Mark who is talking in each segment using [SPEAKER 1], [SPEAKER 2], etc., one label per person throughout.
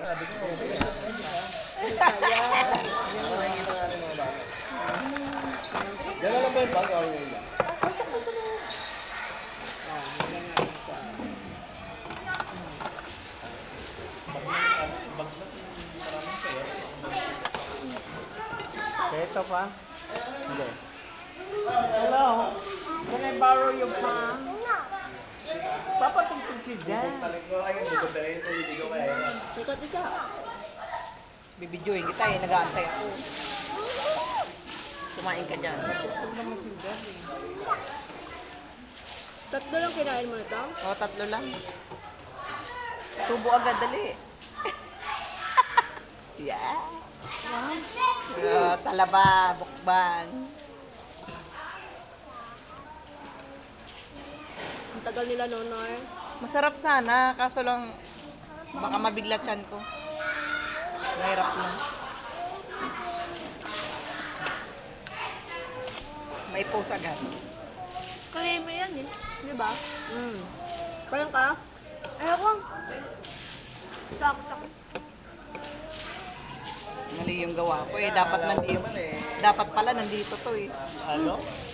[SPEAKER 1] sabi ko, okay. Gano'n lang ba yung bag? Okay lang.
[SPEAKER 2] Pasok na sa loob.
[SPEAKER 3] Ito pa? Hindi. Hello? Can I borrow your phone? Papatugtog si Jan.
[SPEAKER 2] Ikot isa.
[SPEAKER 4] Bibidyoin kita eh, nag-aantay ako. Kumain ka dyan.
[SPEAKER 3] Papatugtog naman si Jan eh.
[SPEAKER 2] Tatlo lang kinain mo nito?
[SPEAKER 4] O, 3 lang. Subo agad, dali. Yeah. Talaba, bukban.
[SPEAKER 2] Ang tagal nila, Nonor.
[SPEAKER 4] Masarap sana, kaso lang baka mabigla tiyan ko. Mahirap na. May post agad.
[SPEAKER 2] Kalime yan eh. Di ba? Parang ka? Ayoko. Sakto.
[SPEAKER 4] Mali yung gawa ko eh. Dapat nandito. Dapat pala nandito to eh.
[SPEAKER 1] Ano?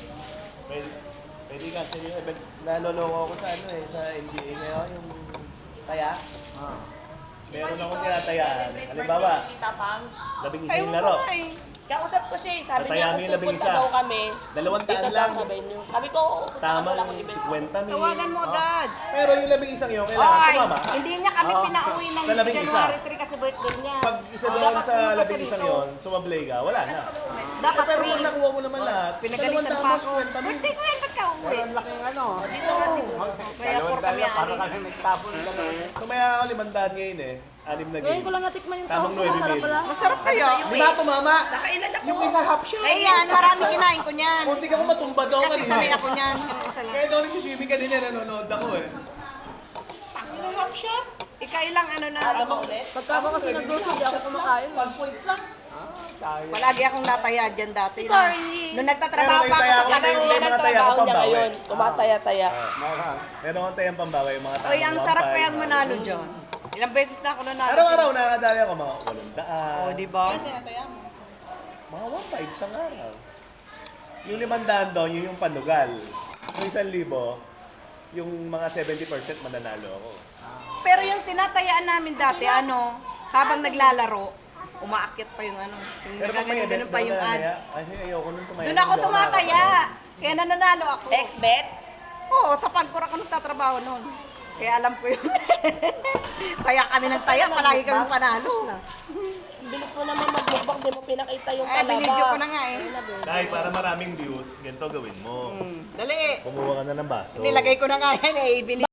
[SPEAKER 1] Pwede kasi yung event, naloloko ako sa ano eh, sa NBA ngayon, yung taya. Meron akong tinatayaan. Halimbawa, 11
[SPEAKER 4] Ay,
[SPEAKER 1] yung laro.
[SPEAKER 2] Kausap ko siya eh. Sabi
[SPEAKER 1] Tataya
[SPEAKER 2] niya,
[SPEAKER 1] mo yung
[SPEAKER 2] kung pupunta
[SPEAKER 1] 11.
[SPEAKER 2] daw kami,
[SPEAKER 1] 200
[SPEAKER 2] dito daw
[SPEAKER 1] lang.
[SPEAKER 2] sabi niyo. Sabi ko,
[SPEAKER 1] Tamang
[SPEAKER 2] wala akong event.
[SPEAKER 1] 50 mil.
[SPEAKER 4] Tawagan mo agad.
[SPEAKER 1] Pero yung 11 yun, kailangan
[SPEAKER 4] Ay,
[SPEAKER 1] tumama.
[SPEAKER 4] hindi niya kami pinauwi ng
[SPEAKER 1] Sa 11
[SPEAKER 4] January 3 kasi birthday niya.
[SPEAKER 1] Pag isa doon sa 11 yun, sumablay ka, wala na.
[SPEAKER 4] Dapat
[SPEAKER 1] Pero
[SPEAKER 4] free.
[SPEAKER 1] kung nakuha mo naman lahat,
[SPEAKER 4] Pinagalitan pa ako.
[SPEAKER 1] 50 mil.
[SPEAKER 4] Birthday ko yan, ba't ka uwi?
[SPEAKER 3] Ang laking ano.
[SPEAKER 4] Dito kasi. Kaya for kami
[SPEAKER 3] Para
[SPEAKER 4] anin.
[SPEAKER 3] kasi nagtapon lang.
[SPEAKER 1] Tumaya ako 500 ngayon eh. 6 na
[SPEAKER 2] Ngayon
[SPEAKER 1] game.
[SPEAKER 2] ko lang natikman yung
[SPEAKER 1] Tamang
[SPEAKER 2] tawag ko.
[SPEAKER 1] 9
[SPEAKER 2] Masarap
[SPEAKER 1] mil.
[SPEAKER 2] pala.
[SPEAKER 4] Masarap kaya.
[SPEAKER 1] Di ba tumama?
[SPEAKER 4] Nakailan ako.
[SPEAKER 1] Yung isa half shot.
[SPEAKER 4] Ay yan, marami kinain ko niyan.
[SPEAKER 1] Kunti ka kung matumba daw
[SPEAKER 4] Kasi
[SPEAKER 1] kanina.
[SPEAKER 4] sanay ako niyan. Isa lang.
[SPEAKER 1] Kaya daw nag-swimming kanina, nanonood ako eh. Half shot?
[SPEAKER 4] Ikailang ano na.
[SPEAKER 2] Pagka ako kasi nag-grocery, di ako kumakain.
[SPEAKER 1] 1 point lang.
[SPEAKER 4] Palagi akong nataya dyan dati.
[SPEAKER 2] Carly.
[SPEAKER 4] Nung nagtatrabaho
[SPEAKER 1] Pero
[SPEAKER 4] pa ako
[SPEAKER 1] may
[SPEAKER 4] sa
[SPEAKER 1] taya-
[SPEAKER 4] kanila.
[SPEAKER 1] may
[SPEAKER 2] Yan ang
[SPEAKER 1] mga taya
[SPEAKER 2] trabaho
[SPEAKER 1] ko
[SPEAKER 2] niya
[SPEAKER 1] pambawi.
[SPEAKER 2] ngayon. Tumataya-taya.
[SPEAKER 1] Meron akong tayang pambawa yung mga tao.
[SPEAKER 4] Uy, ang sarap kayang manalo dyan. Ilang beses na ako nanalo.
[SPEAKER 1] Araw-araw nakakadali ako mga 800.
[SPEAKER 4] O, di ba?
[SPEAKER 1] Mga 1.5 isang araw. Yung 500 doon, yun yung panugal. Yung 1,000, yung mga 70% mananalo ako.
[SPEAKER 4] Pero yung tinatayaan namin dati, ano, habang naglalaro, umaakyat pa yung ano. Yung nagagano pa yung ads.
[SPEAKER 1] Kasi ayoko nung tumaya.
[SPEAKER 4] Doon ako tumataya. Kaya nananalo ako.
[SPEAKER 2] Ex-bet?
[SPEAKER 4] Oo, sa pagkor ako nagtatrabaho noon. Kaya alam ko yun. Taya kami ng taya, palagi kami panalo.
[SPEAKER 2] Bilis mo naman mag-bookbang, di mo pinakita yung
[SPEAKER 4] Ay,
[SPEAKER 2] talaba.
[SPEAKER 4] binidyo ko na nga eh.
[SPEAKER 1] Dahil para maraming views, ganito gawin mo.
[SPEAKER 4] Dali.
[SPEAKER 1] Kumuha ka na ng baso.
[SPEAKER 4] Nilagay ko na nga yan eh.